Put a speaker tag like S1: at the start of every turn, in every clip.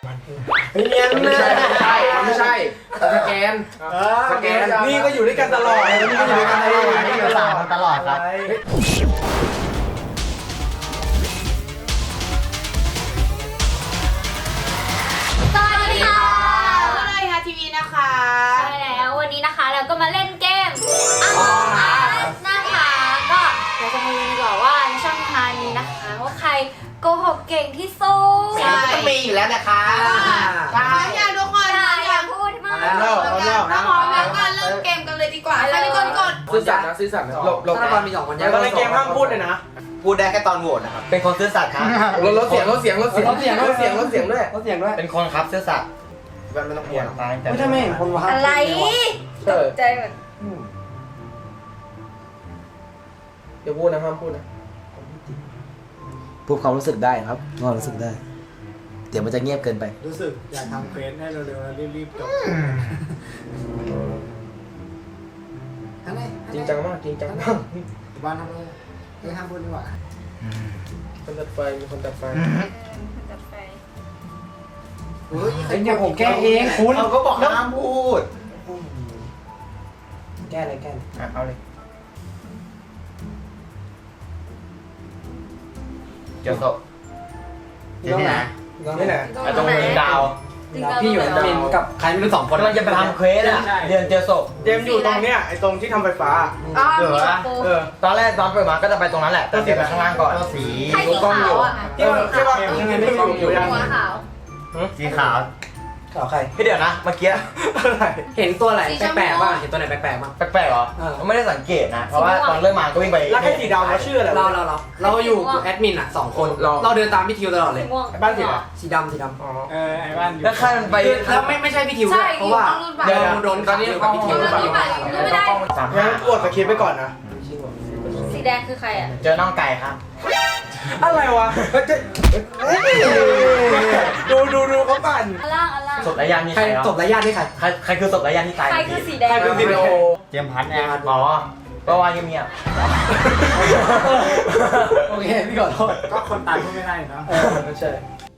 S1: ฟัน
S2: เนียน
S3: ไม่ใช่สแกนสแกน
S1: นี่ก็อยู่ด้วยกันตลอดนี่ก็อยู่ด้วยกันตลอดครับ
S4: สวัสดีค่ะ
S5: ก็เลยฮาทีวีนะคะ
S4: ใช่แล้ววันนี้นะคะเราก็มาเล่นเกม Among Us นะคะก็เราจะมาดูดีกว่าว่าในช่องทางนี้นะคะว่าใครโกหกเก่งที่สุด
S5: ใช่
S2: ต้องมีอยู่แล้วนะคะ
S5: ใช่อยากทุกคน
S4: อย่าพูดมาก
S5: ถ้าพร้อมแล้วก็เริ่มเกมกันเลยดีกว่าใครเป็นคนกด
S3: ซื่อสัตย์นะซื่อสัตย์นะหลบ
S2: ถ้าเรามี2คน
S1: แล้วในเกมห้ามพูดเลยนะ
S2: พูดได้แค่ตอนโหวตนะครับเป็นคนซื่อสัตย์ครับ
S3: ลดเสียงด้วย
S2: เป็นคนครับซื่อสัตย์ไม่ต้องพูดตายแต่ไม่เห็นคนว่า
S4: อะไรตกใจหมด
S3: เดี๋ยวพูดนะห้ามพูดนะ
S2: พูดความรู้สึกได้ครับความรู้สึกได้ เดี๋ยวมันจะเงียบเกินไป
S1: รู้สึกอยากทำเควสให้เร็วๆแล้วรีบๆจบ
S3: จริงจังมากจริงจังมาก
S1: บ้านทำอะไรไม่ห้ามพูดดีกว่า
S3: คนตัดไฟมีคนตัดไฟ
S4: จัดไป
S1: เนี่ยผมแก้เองคุณ
S2: เขาก็บอกห้ามพูด
S1: แก้เลย
S2: เอาเลยเจ้าโตนี่นะ
S1: นี่แหละ
S2: ตรงนี้ดาว
S1: พี่อยู่แอดมินกับใครไม่รู้2 คน
S2: กำลังจะไปทำเควสอะเรียนเจอศพ
S1: เจมอยู่ตรงเนี้ยไอ้ตรงที่ทำไฟฟ้า
S5: อ๋อ
S2: เหรอ
S5: มี
S2: วะ
S5: ปู
S2: ตอนแรกตอนเปิดมาก็จะไปตรงนั้นแหละแต่เดี๋ยวไปข้างล่างก่อนสี
S4: ใครสีขาวอ่ะ
S1: ที่ว่ายังไงไม่อยู่
S4: หัวขาว
S2: สีขาว
S1: ข่าวใคร
S2: พี่เดี๋ยวนะเมื่อกี้
S1: อะไร
S6: เห็นตัวอะไรแปลกๆบ้างเห็นตัวไหนแปลกๆบ้าง
S2: แปลกๆเหรอไม่ได้สังเกตนะเพราะว่าตอนเริ่มมาก็วิ่งไป
S1: แล้วใครสีดำเขาชื่ออะไร
S6: เราอยู่แอดมินอ่ะ2 คนเราเดินตามพี่ทิวตลอดเลย
S4: ม่วง
S1: บ้านสีอะไร
S6: สีดำ
S1: ไอ้บ้านอยู่
S2: แล้วข้ามไป
S6: แล้วไม่ใช่พี่ทิวด้วยเพราะว่าโดนตอนนี้กับพี่ทิว
S1: งั้นกดสคริปต์ไปก่อนนะ
S4: สีแดงคือใครอ่ะ
S2: เจอน้องไก่ครับ
S1: อะไรวะดูเขาปั่น
S4: อันล่างอันล่าง
S2: ศพระยะนี่
S6: ใคร
S2: ใคร
S6: จบระยะนี่ใคร
S2: ใครคือศพระยะที่ตาย
S4: ใครคือสีแดง
S1: ใครคือสีโอ
S2: เจมพัทเนี่ยอ๋อก็ว่าเงียบ
S6: โอเคพี่ขอโทษ
S1: ก็คนตายก็ไม่ได้นะ
S2: ไม่ใช่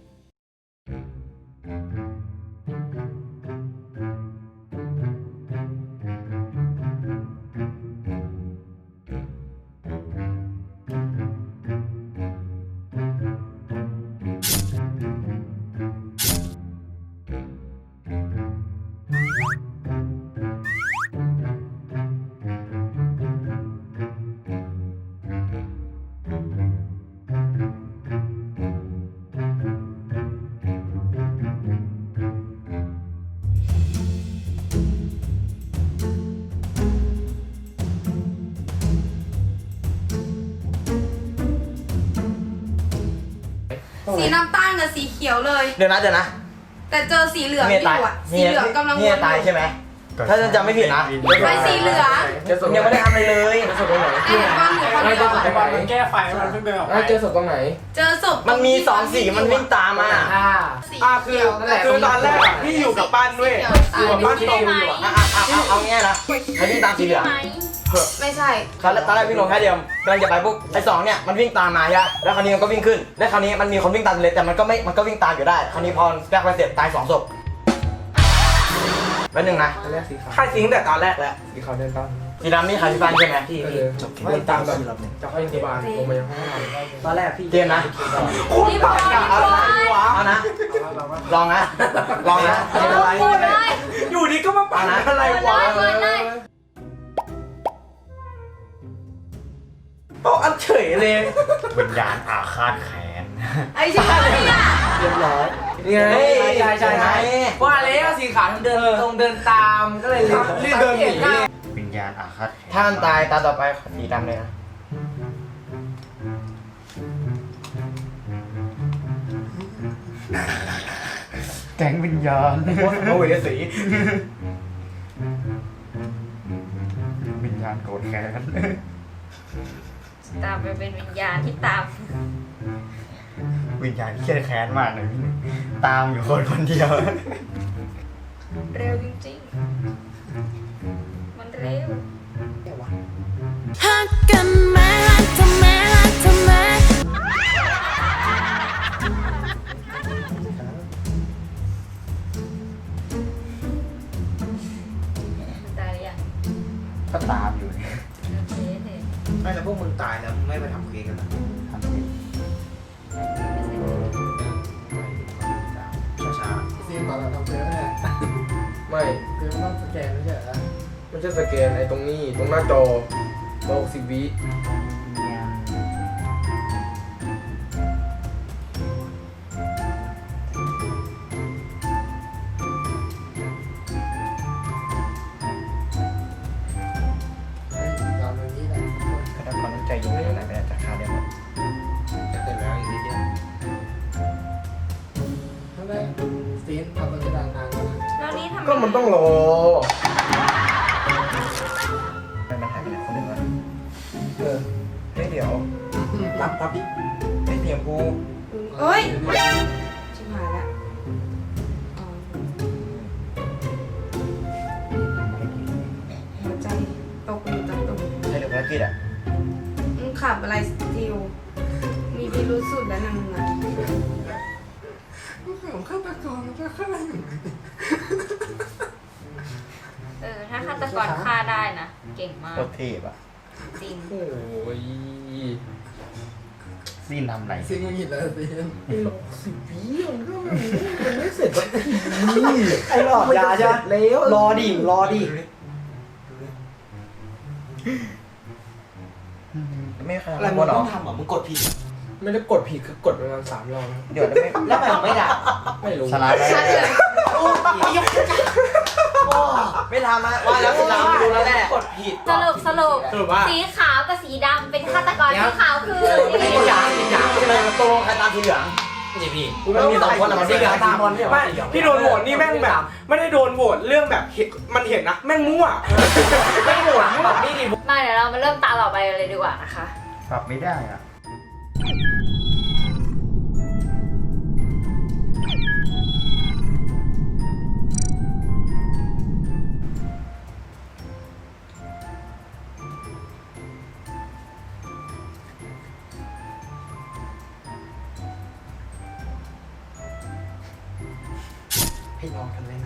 S5: สีน้ำตาลกับสีเขียวเลย
S2: เดี๋ยวนะ
S5: แต่เจอสีเหลืองอ
S2: เนี่ย
S5: ยู่
S2: ตาย
S5: อ่ะสีเหลืองกำลัง
S2: เนี่ยตายใช่ไหมถ้าจะจำไม่ผิดนะ
S5: ไปสีเหลือง
S3: เจอศพ
S2: ยังไม่ได้ทำอะไรเลย
S3: ศพตรงไหน
S5: ไอ้เห็นบ้านอยู่คนเดียว
S1: ไอ้บอลมันแก้ไฟมันเพิ่งเดินออกไป
S3: เจอศพตรงไหน
S5: เจอศพ
S2: มันมี2สีมันวิ่งตามมา
S5: สี
S1: คือ
S5: เขียว
S1: ตอนแรกพี่อยู่กับบ้านด้วยอยู่กับบ้านตรงอยู่อ่ะ
S2: เอาง่ายนะใครวิ่งตามสีเหลือง
S5: ไม่ใช่
S2: ตอนแรกวิ่งลงแค่เดียวกำลังจะไปปุ๊บไอ้2เนี่ยมันวิ่งตามมาใช่ไหมแล้วคราวนี้มันก็วิ่งขึ้นแล้วคราวนี้มันมีคนวิ่งตามเลยแต่มันก็วิ่งตามอยู่ได้คราวนี้พอแบกไปเสร็จตาย2 ศพแล้วหนึ่งนะ
S3: อันแรกสีขาว
S1: ค่ายซิงแต่ตอนแรกแล้ว
S3: สีขาวเดินตาม
S2: สีดำนี่ใครพี่ปันใช่ไหม
S3: เดินตามแบบจากห้องพยาบาลลงมายังห้อง
S6: ตอนแรกพี่
S2: เจมนะ
S4: รีบอยรีบอย
S2: เอานะลองนะลองนะ
S4: พูดเลย
S1: อยู่ดีก็มาปั่นอะไรวะ
S4: เลย
S1: โต๊ะอันเฉยเลย
S2: วิญญาณอาฆาตแค้น
S5: ไอ้ใช่เนี่ย
S1: เรียบร้อย
S3: นี่ไง
S6: ใช่ว่าแล้วสีขาวเดินตามก็เลย
S1: รีบเดินหนี
S2: วิญญาณอาฆาตถ้ามันตายตาต่อไปสีดำเลยนะ
S1: แก๊งวิญญาณโอ้ยสี
S2: วิญญาณโกรธแค้น
S4: ตามไปเป็นวิญญาณที่ตาม
S2: วิญญาณเครียดแค้นมากเลยพี่ตามอยู่คนเดียว
S4: เร็วจริงๆมันเร็ว
S7: ฮักกันไหมฮักทำไมฮักทำไม
S4: ส
S1: ตายแล้วไม่ไปทำเค้กกันนะช้า
S3: ซีนตอนเราทำเพื่อนเนี่ย
S1: ๆไม่
S3: คือมันต้องสแกนไม่ใช่เหรอ
S1: ไม่ใช่สแกนไอ้ตรงนี้ตรงหน้าจอ60 วิ
S3: ตอนนี้แหละ
S2: ก็ต้องความตั้งใจอยู่ในไหนไม่ได้จากค่าเดียวหมด
S1: จะเสร็จแล้วอีกนิดเดียว
S3: ทำไมซีนทำมันจะดังนานแล้วนะ
S5: แล้วนี่ทำไม
S1: ก็มันต้องรอ
S2: ไม่มันหายไปไหนคนหนึ่งวะ
S1: เออ
S2: เฮ้ยเดี๋ยว
S1: รับดิ
S2: ไม่เตรียมกู
S5: เอ้ยชิบหายละอ๋อหัวใจตกอยู่ตรงตรง
S2: ใช่หรือภารกิจอ่ะ
S5: มึงขับอะไรสติลมีพิรุษสุดแล้วนะมึงอ่ะ
S3: ผมฆาตกรแล้วก็ฆ่า
S4: ถ้าฆาตกรฆ่าได้นะ เก่งมาก
S2: โคตรเทพอ่ะ
S4: จริง
S1: โอ้ย
S2: ซีนทำไร
S3: ซีนมึงหินแล้วซีน
S1: 10 วิมันก็มันไม่เสร็จสักที
S2: ไอ้หลอดยาใช่ไหม
S1: แล้ว
S2: รอดิรอดิไม่ใคร
S6: อะไร
S2: ทำ
S6: มึ
S2: กู
S6: ง
S2: หร
S6: ต้
S2: อ
S6: องทำอ่ะมึงกดผิด
S1: ไม่ได้กดผิดคือกดประมาณ3 รอบนะ
S2: เดี๋ยวไม่
S6: แล้วทำไมมึงไม่ด่า
S1: ไม่รู้
S2: สลายไป
S5: ชัดเลย
S2: ไม่ทำอ่ะว่าแล้วสลายไม่รู้แล้วแหละ
S6: กดผิด
S4: สรุป
S1: สรุปว่า
S4: สีขาวกับสีดำเป็นฆาตกร
S6: เดี๋ยว
S4: สีขาวคือ
S2: ไม่อยากใช่ไหมตรงใครตามสีเหลือง
S6: นี่พี่
S2: มันมี2 คนอ่ะมันสีเหลืองตามบอลเนี่ย
S1: ไม่พี่โดนโหวตนี่แม่งแบบ ไม่ได้โดนโหวตเรื่องแบบมันเห็นนะแม่งมั่วไม่โหวตมั่วนี่ดิ
S4: มาเดี๋ยวเรามาเริ่มตาต่อไปกันเลยดีกว่านะคะ
S2: ปรับไม่ได้อ่ะ
S1: ให้ลองกันเลยนะ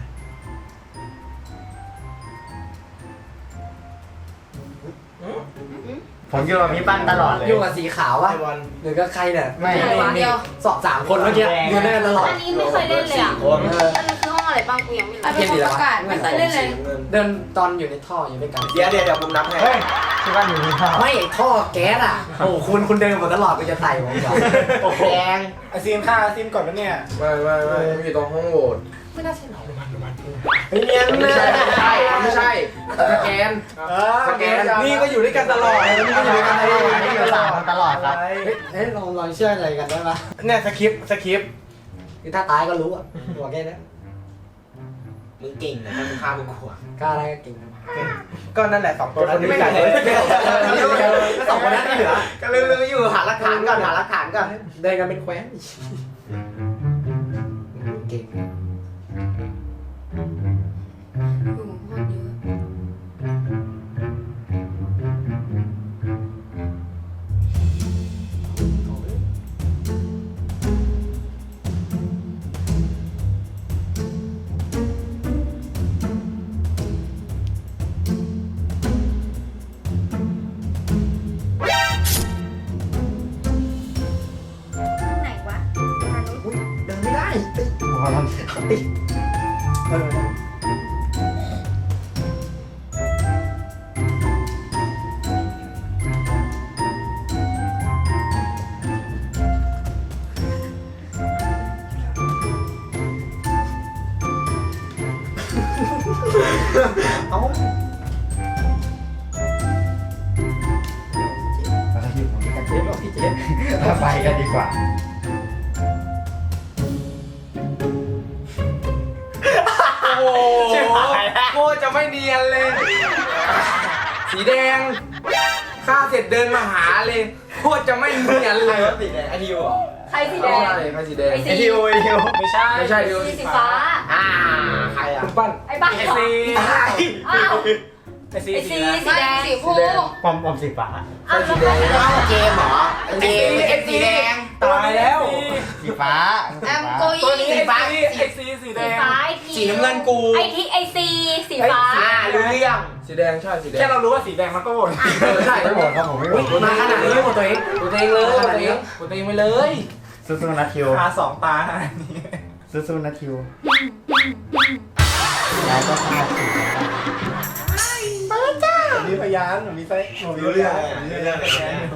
S2: ผมอยู่กับพี่ปั้นตลอดเลย
S3: ยุ่งกับสีขาววะ
S1: ไอ้บอล
S3: หรือก็ใครเนี่ย
S2: ไม่
S5: เดียว
S3: สอบ3 คนเมื่อกี้อยู่ด้วยกันตลอด
S4: อันนี้ไม่เคยเล่นเลยอ่ะ
S2: คน
S4: อันนี้คือห้องอะไรบ้างกูยังไม่รู้
S5: ไอ้เป็นคนประกาศไม่เคยเล่นเลย
S3: เดินตอนอยู่ในท่ออยู่ด้วยกัน
S1: เดี๋ยวผมนับให้
S2: เฮ้ยพี่ปั้นอยู่นี่ครับ
S3: ไม่ท่อแก๊สอ่ะ โอ้คุณเดินมาตลอดไปจะไต่ผมก่อนโอ้โหแดง
S1: ไอซีนฆ่าซีนก่อนนะเนี่ยไม่มันอยู่ตรงห้องโหวต
S3: ไม่น่าใช่หรอ
S1: เฮ้ยเนียน
S3: ไม่ใช่
S1: ไม่ใช่
S3: สแกน
S1: สแกนนี่ก็อยู่ด้วยกันตลอดนี่ก็อยู่ด้วยกันตลอด
S2: นี่อยู่3 คนตลอดครับ
S3: เฮ้ยลองเชื่ออะไรกันได้ปะ
S1: เนี่ยสคริปต์
S3: คือถ้าตายก็รู้อ่ะหัวแค่นี้
S6: มึงเก่งนะถ้ามึงฆ่ามึงขวาง
S3: กล้าอะไรก็เก่งนะ
S1: ก็นั่นแหละ2 ตัวนั้นไม่กัน
S3: แล้ว2 คนนั้นที่เหลือ
S6: ก็ลืมอยู่หาหลักฐานก่อนหาหลักฐานก่อน
S3: เดินกันเป็นแคว้นเก่ง
S5: อยู่โคตรเยอะ
S4: ไหนวะ
S3: เดินไม่ได้
S2: หัวมัน
S3: ติดเอา
S2: เราอยู่ตรงนี้กัน
S3: เจ๊บอกพี่เจ๊
S2: เราไปกันดีกว่า
S1: โอ้โหโคตรจะไม่เนียนเลย สีแดงฆ่าเสร็จเดินมาหาเลยโคตรจะไม่เนียนเลย
S2: สีแดงไอทิวเหรอ
S4: ใครสีแด
S1: ไม่
S4: ง
S1: ใช่ใครสีแดง
S4: ไอ
S2: ไอ
S4: สี
S2: ทิวไม่ใช่
S1: ไม่ใช่ดิว
S4: สีฟ้า
S6: ใครอ่ะ
S1: คุณปั้น
S4: ไอ้บ้า
S1: ไอ
S4: เหรอ
S1: ซี
S4: อ้าว
S1: ไอซี
S4: ไอซี
S1: สีแดง
S4: สีแดง
S5: สีคู่
S2: ปอมสีฟ้า
S4: อ้าวแล้วใครสีแดง
S6: เกมเหรอเกมเกมสีแดง
S1: ตายแล้ว
S2: สีฟ้า
S5: แอมโก
S1: ตัว
S5: ยี่
S1: นี้
S6: สีฟ้า
S1: ไอซีสีแด
S4: สี
S1: ง
S4: ฟ้าไอที
S6: สี
S1: สีน้ำเงินกู
S4: ไอซีสีฟ้า
S1: รู้เรื่องสีแดงใช่สีแดง
S3: แค่เรารู้ว่าสีแดงมันก็โหวต
S1: ใช่
S2: ไม่หมดครับผมไม่หมด
S3: มาขนาดนี้ไม่โหวตตัวเอง
S1: กูตัวเองเลยกูตัวเองกูตัวเองไปเลย
S2: สู้ๆนะทิว
S3: ตาสองตาขนาดนี้
S2: สู้ๆนะทิวแล้วก็ฆ่าสิ
S3: มีพยานมีไซผมมีเรื่องมีเรื่องแค่นี้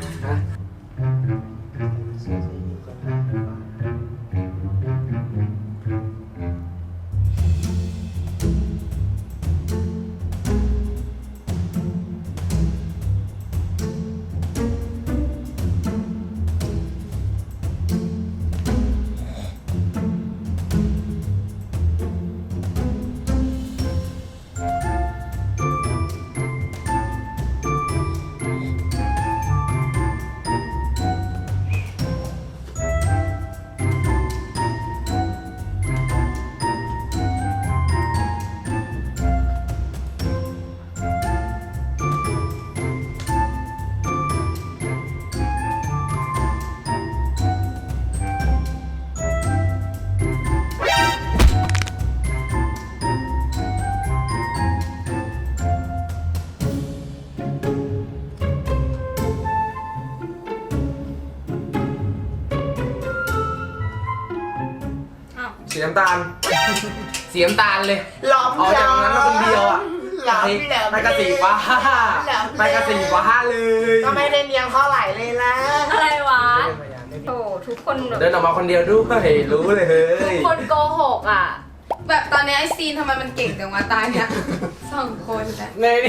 S1: สีน้ำตาลสีน้ำตาลเลย
S3: หลอม
S1: เอาจากตรงนั้นมาคนเดียวอ่ะไม่กระสีฟ้าไม่กระสีฟ้าเลย
S3: ก็ไม่ได้เนียงเท่าไหร่เลยนะ
S4: อะไรวะโอ้ทุกคนแบบ
S1: เดินออกมาคนเดียวด้วยรู้เลยเฮ้
S4: ทุก
S1: ย
S4: คนโกหกอ่ะ
S5: แบบตอนนี้ไอซีนทำไมมันเก่งจังวะตาเนี่ย2 คนนะ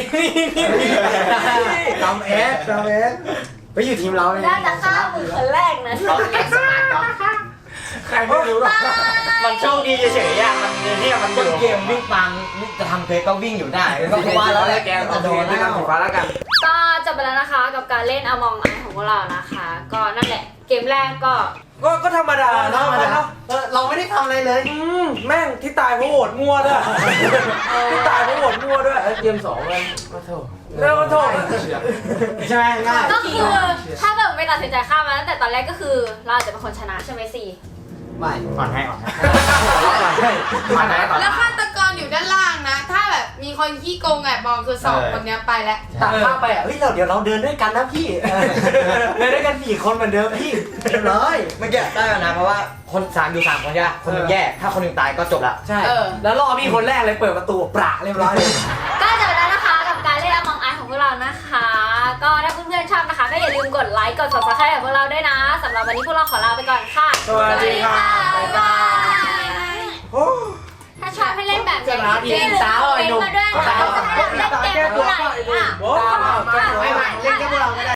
S3: จำเอสไปอยู่ทีมเราเลย
S4: น่าจะฆ่ามือคนแรกนะ
S3: ใครไม่รู้หรอก
S2: มันโชคดีเฉยๆอ่ะมันเนี่ยมันต้นเกมวิ่งตามจะทำเควสก็วิ่งอยู่ได้ก็เพราะว่าแล้วแก
S1: โอ
S2: จะ
S1: เค
S2: โดน
S1: ด้วย
S2: แล้
S1: กัน
S2: ว
S1: สีฟ้าแล้วกัน
S4: ก็จบไปแล้วนะคะกับการเล่น Among Us ของพวกเรานะคะ ก็นั่นแหละเกมแรกก็
S1: ก็ธรรมดาเนาะ
S3: เราไม่ได้ทำอะไรเลย
S1: แม่งที่ตายเพราะโหวตมั่วด้วยที่ตายเพราะโหวตมั่วด้วยเกม2เลยมาโถแล้วมาโถ
S3: ใช่ไหมง่าย
S4: ก็คือถ้าเกิดไม่ตัดสินใจฆ่ามาตั้งแต่ตอนแรกก็คือเราอาจจะเป็นคนชนะใช่ไหมสิ
S3: ไม่
S2: อ่อนให้อ่อนให้
S1: มาไหนต่อ
S5: แล้วฆาตกรอยู่ด้านล่างนะ ถ้าแบบมีคนขี้โกงแอบมองคือ2 คนเนี้ยไปแล้ว
S3: ตัดภาพไปอ่ะเฮ้ยเดี๋ยวเราเดินด้วยกันนะพี่เดินด้วยกัน4 คนเหมือนเดิมพี่เรียบร้อย
S2: เมื่อกี้ได้แล้วนะเพราะว่าคน3อยู่3คนใช่ไหมคนหนึงแย่ถ้าคนหนึงตายก็จบละ
S3: ใช่
S5: เออ
S3: แล้วรอพี่คนแรกเลยเปิดประตูประเรียบร้อยเลย
S4: ก็จบไปแล้วนะคะกับการเล่น Among Us ของพวกเรานะคะ ก็ถ้าเพื่อนๆชอบนะคะ ก็อย่าลืมกดไลค์กด Subscribe กับพวกเราด้วยนะสำหรับวันนี้พวกเราขอลาไปก่อนค่ะ
S1: สวัสดีค่ะ
S4: บ๊ายบายถ้าชอบให้เล่นแบบนี้อย่าลืมคอมเมนต์มาด้วยนะคะว่าจะให้เราเล่นเกมไหนอ่ะ
S3: ไม่เล่นแค่พวกเราก็ได้